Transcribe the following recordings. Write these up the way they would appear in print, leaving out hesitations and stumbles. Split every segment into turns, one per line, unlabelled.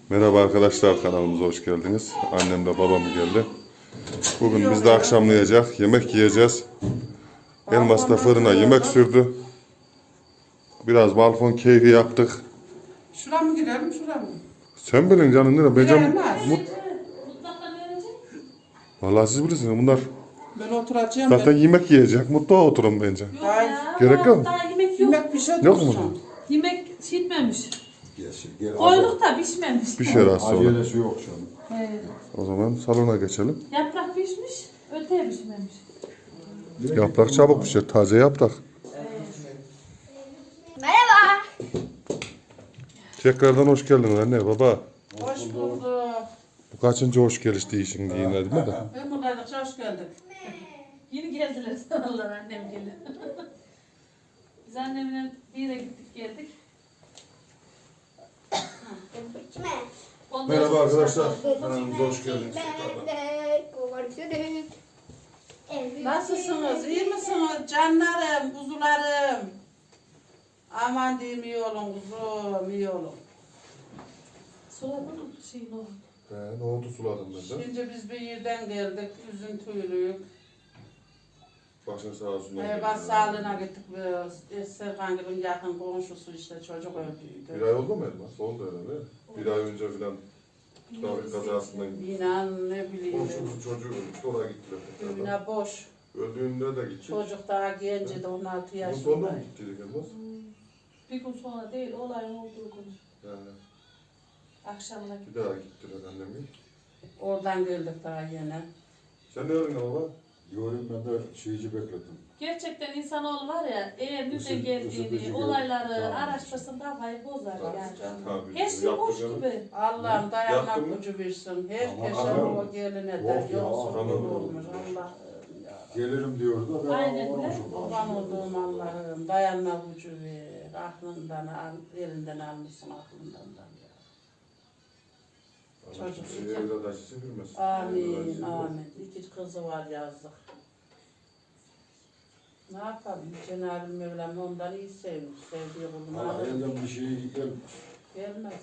Merhaba arkadaşlar, kanalımıza hoş geldiniz. Annem de babam geldi. Bugün biz de akşamlayacak, yemek yiyeceğiz. Elmas da fırına yemek sürdü. Biraz balkon keyfi yaptık.
Şuna mı girelim, şuna mı?
Sen bilin canım, ne?
Giremez.
Mutfaktan verecek.
Vallahi siz bilirsiniz, bunlar
Ben oturacağım.
zaten yemek yiyecek. Mutfağa oturun bence.
Yok
Hayır.
ya.
Gerek yok mu?
Daha yemek yok.
Yemek bir şey
Yok mu?
dursun.
Yemek şişmemiş.
Gel,
Koyduk da pişmemiş.
Bir şey az sonra.
acelesi yok şu an.
He.
O zaman salona geçelim.
Yaprak pişmiş, öteye pişmemiş.
Yaprak çabuk pişer, taze yaprak.
Merhaba.
Tekrardan hoş geldin anne, baba.
Hoş bulduk.
Bu kaçıncı hoş geliş değişin diye değil mi de?
Ben buradaydıkça hoş geldik.
Yeni geldiler sanırlar annem geldi. Biz annemle bir yere gittik geldik.
İçme.
Ondan
Merhaba
sonra-
arkadaşlar, kanalımıza hoş geldiniz.
Nasılsınız? İyi misiniz? Canlarım, kuzularım. Aman diyeyim iyi olun kuzum, iyi olun.
Suladın mı şeyin o?
Nohutu suladım ben de.
Şimdi biz bir yerden geldik, üzüntülüyük.
Başın sağ olsun.
Hayvan sağlığına gittik biz. Serkan Gül'ün yakın komşusu işte çocuk öldüydü.
Bir ay oldu mu Elmas? Oldu herhalde. Bir ay önce falan trafik kazasından
İnan ne bileyim.
komşumuzun çocuğu ölmüştü, oraya gittiler. tekrardan.
Yine boş.
Öldüğünde de gittik.
Çocuk daha genciydi, 16
Bunun sonunda mı
yaşında.
gittiydik Elmas?
Bir gün sonra değil, olayın olduğu gün.
Yani
Akşamına
bir daha gittiler annemle.
Oradan geldik daha yine.
Sen ne öğrendin baba?
Yorum ben de şeyci bekledim.
Gerçekten insanoğlu var ya, eğer nereden
Isıtıcı
geldiğini,
geldi.
olayları
Tamam.
araştırsın kafayı bozar yani.
Tabii.
Her şey boş
Yaptık
gibi.
Allah'ım
Yaptın
dayanmak
mı?
gücü versin. Herkese
Ama-
o geline
Yok
de
ya,
yolsuzluk
anladım.
olmuş. Allah'ım ya.
Gelirim diyordu da ben
Aynen
olmamış
öyle.
oldum.
Kurban olduğum Allah'ım dayanma gücü ver. Aklından al, elinden almışsın aklından da. Çocuk
Evlat acısı bilmez.
Amin, amin. İki kızı var yazdık. Ne yapalım? Cenab-ı Mevlam ondan iyi sevmiş. Sevdiği kulunu
Ama
alır.
elden bir şey gelmez.
Gelmez.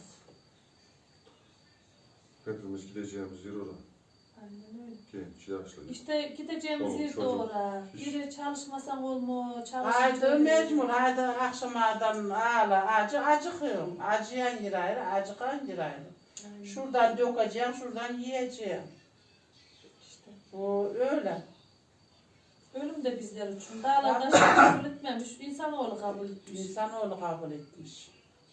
Hepimiz gideceğimiz yer orada.
Aynen öyle.
Genç, yaşlı.
İşte gideceğimiz
Çoluk,
yer de
çocuk.
ora. Biri çalışmasam olmuyor,
Haydi
çalışınca
mecbur, haydi akşamadan ağla, acıkıyorum. Acıyan yer ayrı, acıkan yer ayrı.
Aynen.
Şuradan dökeceğim, şuradan yiyeceğim.
İşte.
Bu öyle.
Ölüm de bizler için. Dağlarda şey kabul etmemiş, insanoğlu kabul etmiş.
İnsanoğlu kabul etmiş.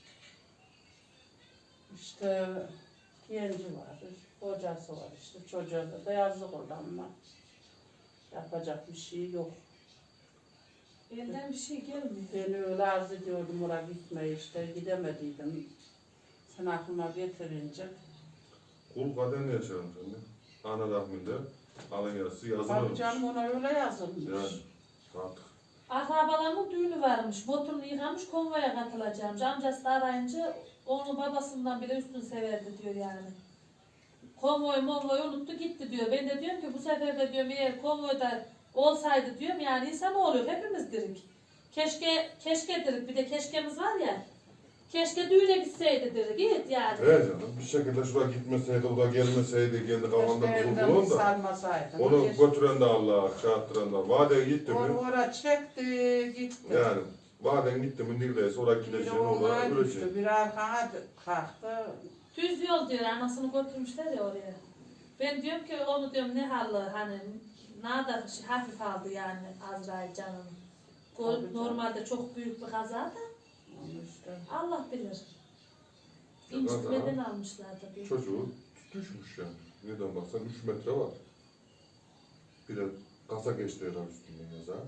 İşte genci var, kocası var işte, çocuğa da yazık oldu ama yapacak bir şey yok.
Elden bir şey gelmiyor.
Beni öyle arzu ediyordum oraya gitmeyi işte, gidemediydim. Sen aklıma getirince.
Kul kaderine yaşarım sen de. Ana rahminde alın yazısı
Tabii
yazılırmış.
canım ona öyle yazılmış.
Yani artık.
Akrabalarının düğünü varmış. Motorunu yıkamış, konvoya katılacağım. Amcası da arayınca onu babasından bile üstün severdi diyor yani. Konvoyu unuttu gitti diyor. Ben de diyorum ki bu sefer de diyorum eğer konvoyda olsaydı diyorum yani insan oluyor. Hepimiz dirik. Keşke dirik. Bir de keşkemiz var ya. Keşke düğüne gitseydi dirik. Git yani.
Evet canım, bir şekilde şuraya gitmeseydi, o da gelmeseydi, kendi kafanda
Keşke
bir
elden
kurtulun da.
sarmasaydım.
Onu götüren de Allah, çarptıran da. Vadeye gitti mi?
Oraya çekti, gitti.
Yani vaden gitti mi neredeyse oraya
Bir
gideceğim,
ona
oraya öleceğim.
düştü, bir arkana kalktı.
Düz yol diyor. Anasını götürmüşler ya oraya. Ben diyorum ki onu diyorum ne halı hani nada hafif aldı yani Azrail canını.
Tabii canım.
Normalde çok büyük bir kaza da
Onu işte.
Allah bilir.
Ya
İncitmeden almışlar tabii.
Çocuğu düşmüş yani. Neden baksan 3 metre var. Bir de kasa geçti herhalde üstünden yazar.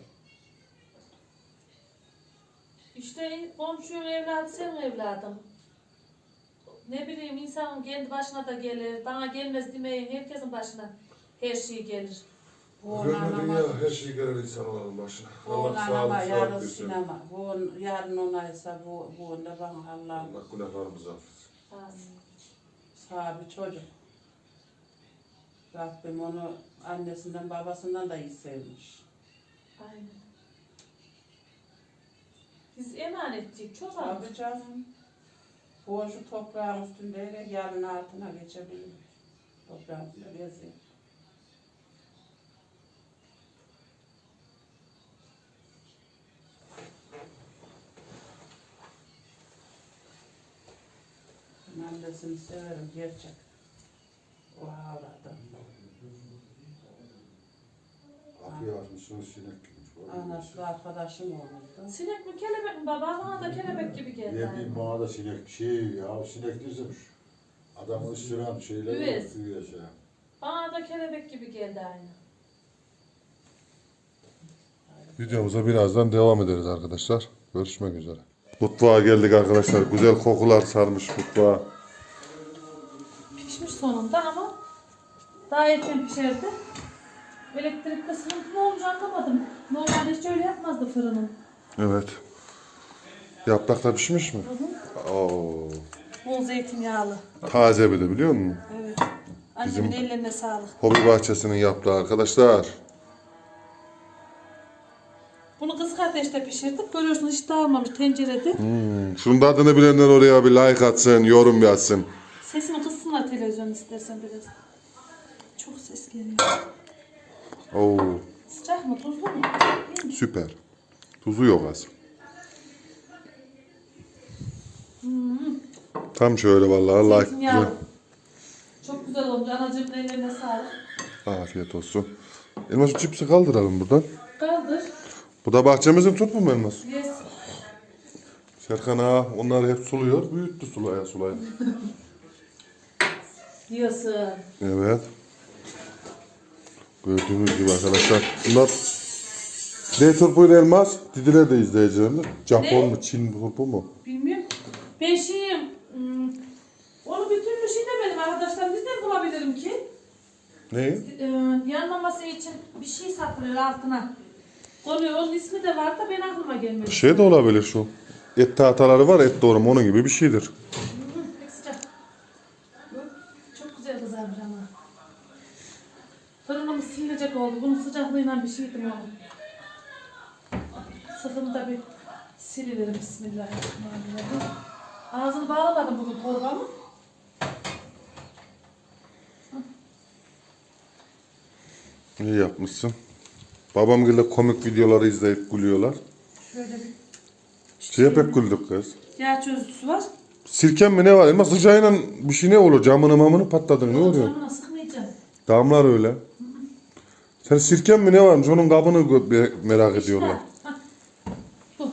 İşte komşunun evladı senin evladın. Ne bileyim insanın kendi başına da gelir. Bana gelmez demeyin herkesin başına her şey gelir.
Bu
Görmedin
anama,
ya her şey gelir insanların başına.
bu
Allah
anama
sağlık
yarın
sağlık versin.
sinema. Bu yarın onaysa bu ne bana Allah'ım.
Allah günahlarımızı affetsin.
Amin.
Sahibi çocuk. Rabbim onu annesinden babasından da iyi sevmiş.
Aynen. Biz emanetçiyik çok aldık.
Tabii canım. Boğuşu toprağın üstünde yarın altına geçebilir. Toprağın üstünde geziyor. Ben annesini severim gerçek. O ağladı.
Kapıyı açmışsınız sinek girmiş.
Anası arkadaşım olurdu.
Sinek mi kelebek mi baba? Bana da kelebek gibi geldi.
Ne bileyim bana da sinek sinek dizmiş. Adamı ısıran şeyler.
Üvez.
Üvez ya.
Bana da kelebek gibi geldi aynı.
Videomuza birazdan devam ederiz arkadaşlar. Görüşmek üzere. Mutfağa geldik arkadaşlar. Güzel kokular sarmış mutfağa.
Pişmiş sonunda ama daha erken pişerdi. Elektrikte sıkıntı mı olmuş anlamadım. Normalde hiç öyle yapmazdı fırının.
Evet. Yapraklar pişmiş mi? Oo.
Bol zeytinyağlı.
Taze bir de biliyor musun?
Evet. Annemin ellerine sağlık.
Hobi bahçesinin yaprağı arkadaşlar.
Bunu kısık ateşte pişirdik. Görüyorsunuz hiç dağılmamış tencerede.
Şunun da adını bilenler oraya bir like atsın, yorum yazsın.
Sesini kıssınlar televizyon istersen biraz. Çok ses geliyor.
Oo,
Sıcak mı tuzlu mu? İyi mi?
süper. Tuzu yok az. Tam şöyle vallahi
Zeytinyağlı.
like.
Çok güzel olmuş. Anacığımın ellerine sağlık.
Afiyet olsun. Elmas şu cipsi kaldıralım buradan.
Kaldır.
Bu da bahçemizin turpu mu Elmas?
Yes.
Serkan ağa onları hep suluyor. Büyüttü sulaya sulaya.
Diyorsun.
Evet. Gördüğünüz gibi arkadaşlar. Bunlar ne turpuyla Elmas? Didiler de izleyicilerinde. Japon
Ne?
mu? Çin turpu mu?
Bilmiyorum. Ben şeyim. Onu bir türlü şey demedim arkadaşlar. Nereden bulabilirim ki?
Ne?
Yanmaması için bir şey satılıyor altına. Konuyor. Onun ismi de var da ben aklıma gelmedi.
Şey de olabilir şu. Et tahtaları var, et doğrama onun gibi bir şeydir.
Pek sıcak. Yok, çok güzel kızarmış ama. Fırınımız silinecek oldu. Bunun sıcaklığıyla bir şeydim onu. Sıkımda bir siliverim. Bismillahirrahmanirrahim. Ağzını bağlamadım bugün torbamı.
İyi yapmışsın. Babam gibi komik videoları izleyip gülüyorlar.
Şöyle bir
Şeye pek güldük kız.
yağ çözücüsü var.
Sirken mi ne var? Elmas sıcağıyla bir şey ne olur? Camını mamını patladın ne oluyor?
Camına sıkmayacağım.
Damlar öyle. Sen sirken mi ne varmış? Onun kabını merak ediyorlar.
Hah. Bu.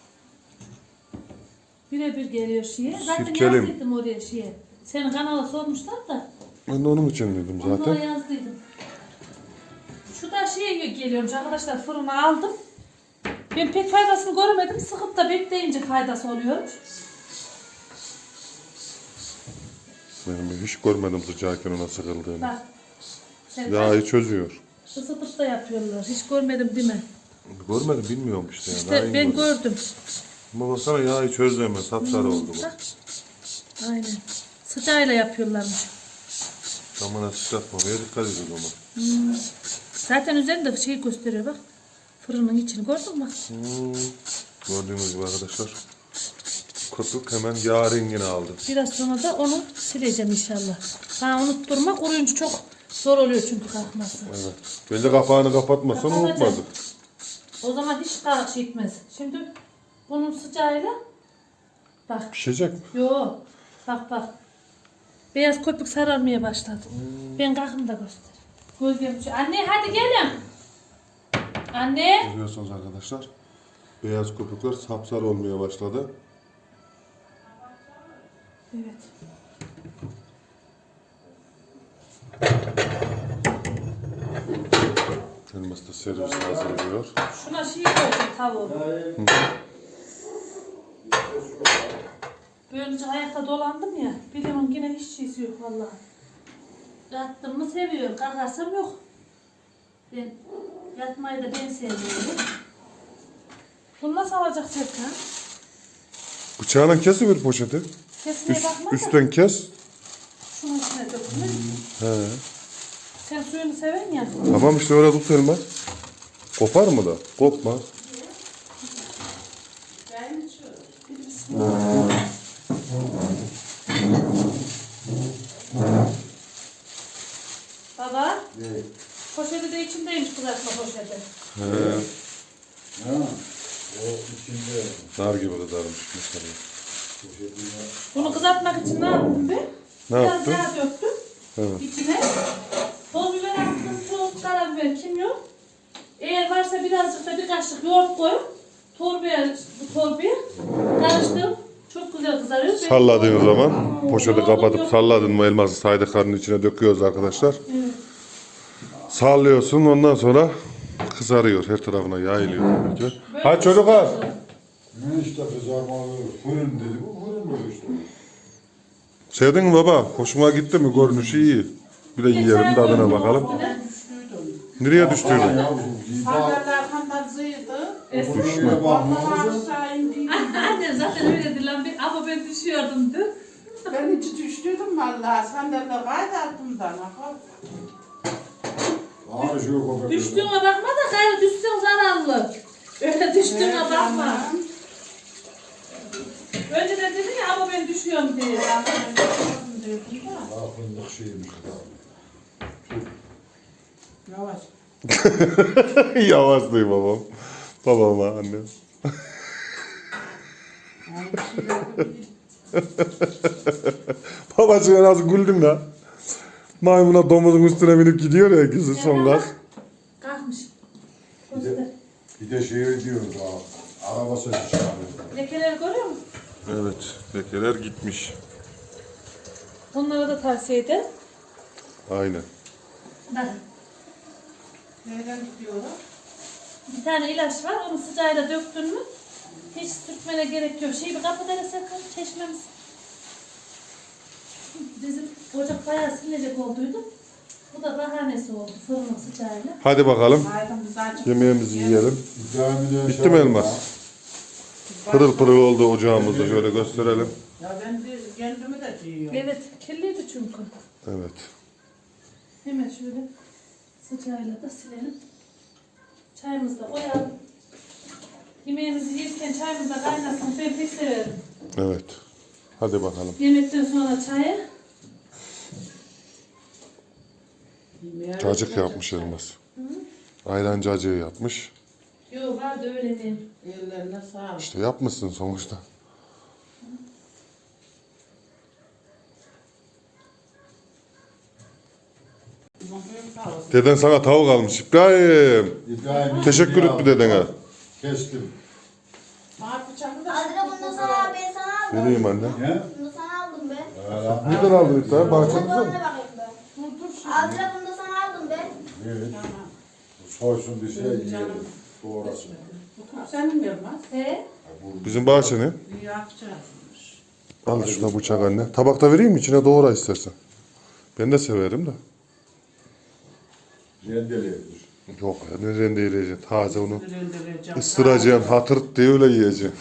Birebir geliyor şeye. Zaten
Sirkelim.
yazdıydım oraya şeye. Senin kanala sormuşlar da.
Ben de onun için dedim
Onlara
zaten.
yazdıydım. Şu da şeye geliyormuş arkadaşlar, fırına aldım. Ben pek faydasını göremedim. Sıkıp da bekleyince faydası oluyormuş.
Ben hiç görmedim sıcağıyken ona sıkıldığını.
Bak. Sen
Yağı çözüyor.
ısıtıp da yapıyorlar. Hiç görmedim değil mi?
Görmedim bilmiyorum işte. Yani.
İşte
Aynı
ben
gördüm.
gördüm.
Ama baksana yağı çözdü hemen. Sapsarı oldu bu.
Bak. Aynen. Sıcağıyla yapıyorlarmış.
Camına sıçratmamaya dikkat edin ama.
Zaten üzerinde şey gösteriyor bak. Fırının içini gördün mü?
Gördüğünüz gibi arkadaşlar. Köpük hemen yağ rengini aldı.
Biraz sonra da onu sileceğim inşallah. Ha unutturma, kuruyunca çok zor oluyor çünkü kalkması.
Evet. Bence kapağını kapatmasan
Kapatacağım.
unutmadık.
O zaman hiç karşı gitmez. Şimdi bunun sıcağıyla bak.
Pişecek mi?
Yo. Bak. Beyaz köpük sararmaya başladı. Ben kalkım da göster. Gölgem şu. Anne hadi gelin. Anne.
Görüyorsunuz arkadaşlar. Beyaz köpükler sapsarı olmaya başladı.
Evet.
Elmas da servis hazırlıyor.
Şuna şey koyacağım tavuğu. Böylece ayakta dolandım ya. Biliyorum yine hiç şeysi yok vallahi. Yattım mı seviyorum. Kalkarsam yok. Ben yatmayı da ben seviyorum. Bunu nasıl alacak Serkan?
Bıçağla kesiver poşeti.
Kesmeye bakma da.
Üstten kes.
Şunun içine dökülür.
He.
Sen suyunu seven ya.
Tamam işte öyle tut Elmas. Kopar mı da? Kopmaz.
Ben içiyorum.
Ne?
Poşeti de içindeymiş kızartma poşeti.
He,
Ha? O içinde.
nar gibi kızarmış mesela.
Poşetine.
Bunu kızartmak için ne yaptım ben?
Ne
Biraz
yaptın?
yağ döktüm
Evet.
içine. Toz biber attım, tuz, karabiber, kimyon. Eğer varsa birazcık da bir kaşık yoğurt koyup torbaya, bu torbaya karıştırıp çok güzel kızarıyor.
Salladığın zaman poşeti
Yoğurdum
kapatıp
yok.
salladın mı elması saydıklarının içine döküyoruz arkadaşlar.
Evet.
Sallıyorsun ondan sonra kızarıyor. Her tarafına yayılıyor tabii ki.
Böyle
Hadi çocuklar.
Ne işte kızarmalı. Fırın dedi. Bu fırın mı işte?
Sevdin mi baba? Hoşuma gitti mi? Görünüşü iyi. Bir de yiyelim tadına bakalım.
Düştüydüm.
Nereye düştüydün?
Ya bu ziba.
Haberler kantarzıydı.
Düşmeye bakmıyor
Vallahi
musun?
aşağı indiydim.
Anne zaten öyledir lan ama ben düşüyordum dün.
Ben hiç düştüydüm vallahi. Sandalye kaydı altımdan.
Ağrı şu köpek.
Düştüğüne bakma da gayrı düşsen zararlı. Öyle düştüğüne bakma. Önceden dedin ya ama ben düşüyorum diye.
Fındık şeymiş.
Yavaş.
Yavaş duy babam. Babama annem. Babacığım nasıl güldün la? Maymuna domuzun üstüne binip gidiyor ya ikisi son gaz.
Kalkmış.
Bir de, bir de şey diyoruz ha. Araba sesi çıkarıyor.
Lekeleri görüyor musun?
Evet, lekeler gitmiş.
Onlara da tavsiye ederim.
Aynen.
Bakın.
Nereden gidiyorlar?
Bir tane ilaç var, onu sıcağıyla döktün mü hiç sürtmene gerek yok. Şeyi bir kapıda sakın, çeşmemiz. Bizim ocak bayağı silinecek olduydu. Bu da bahanesi oldu fırının sıcağıyla.
Hadi bakalım.
Hayatım biz açık.
Yemeğimizi yiyelim.
İbrahim'in
Bitti mi elmas? Pırıl pırıl oldu ocağımızda. Şöyle gösterelim.
Ya ben de kendimi de yiyorum.
Evet, kirliydi çünkü.
Evet.
Hemen şöyle sıcağıyla da silelim. Çayımızı da koyalım. Yemeğimizi yerken çayımız da kaynasın. Ben pek severim.
Evet. Hadi bakalım.
Yemekten sonra çayı.
Cacık yapmış elmas. Ayran cacığı yapmış.
Yok vardı öyle değil.
Ellerine sağlık.
İşte yapmışsın sonuçta. Deden sana tavuk almış İbrahim.
İbrahim
Teşekkür etti dedene.
Kestim.
Bana bıçakı da
Adra bunu sana ben sana aldım.
Vereyim anne.
Ne?
Bunu sana aldım ben.
Nereden aldın İbrahim?
Hadi
Bahçemizde
ona
mi?
bakayım ben.
dur dur şimdi.
Adra bunu da sana aldım ben.
Evet.
Tamam.
Soysun bir şey yiyelim.
Canım.
Doğrasın.
Bu top senin mi Yılmaz?
He?
Bizim bahçe ne?
İyi yapacağız.
Al şuna bıçak anne. Tabakta vereyim mi? İçine doğra istersen. Ben de severim de.
Rendeleyebilir.
Yok ya ne rendeleyeceksin. Taze onu
Rendeleyeceğim.
ısıracaksın. Hatır diye öyle yiyeceksin.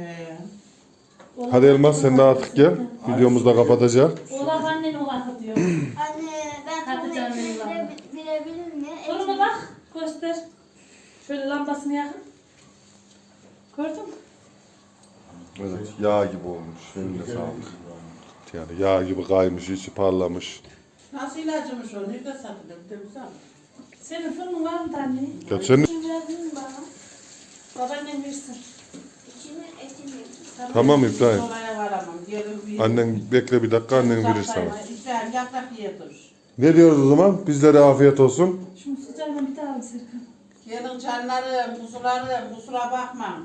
Hadi Elmas sen de artık gel. Videomuzu da kapatacağız.
Oğlan annen oğlan diyor.
Anne ben
Hadi
sana
canım,
ekmeği
eyvallah.
bilebilir mi?
Soruna bak. Göster. Şöyle lambasını yakın. Gördün mü?
Evet yağ gibi olmuş. Eline sağlık. Yani yağ gibi kaymış, içi parlamış.
Nasıl ilacımış o? Nerede satılır? Bir de bize al.
Senin fırının var mı anne?
Ya senin...
Şimdi verdin mi bana?
Babaannem versin.
İçimi etimi.
Tamam İbrahim.
Olaya varamam. Gelin bir...
Annen bekle bir dakika annen verir sana.
İbrahim yaprak yedir.
Ne diyoruz o zaman? Bizlere afiyet olsun.
Şunu sıcağına bir daha al Serkan.
Gelin canlarım, kuzularım, kusura bakma.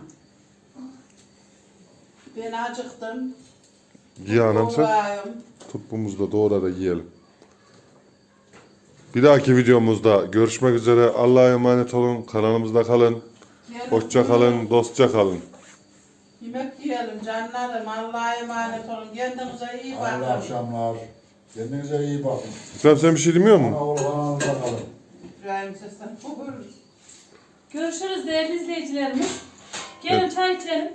Ben acıktım.
Ye anam sen.
Doğrayım.
Tut bumuzda doğra da yiyelim. Bir dahaki videomuzda görüşmek üzere. Allah'a emanet olun. Kanalımızda kalın.
Gelin
Hoşça kalın, dostça kalın.
Yemek yiyelim canlarım. Allah'a emanet olun. Kendinize iyi bakın.
Hayırlı akşamlar. Kendinize iyi bakın.
İbrahim sen bir şey demiyor musun?
Ana oğul kanalımıza kalın.
İbrahim sesten
Görüşürüz değerli izleyicilerimiz. Gelin çay içelim.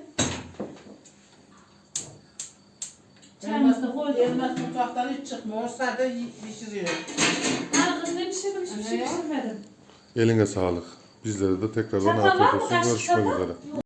Çayımızı da koyduk.
Elmas mutfaktan hiç çıkmıyor. Sadece pişiriyor.
Ha kız ne pişirdim hiçbir şey pişirmedim.
Eline sağlık. Bizlere de tekrardan
Çatal var
afiyet
mı?
olsun.
Kaşık
Görüşmek
çatal?
üzere.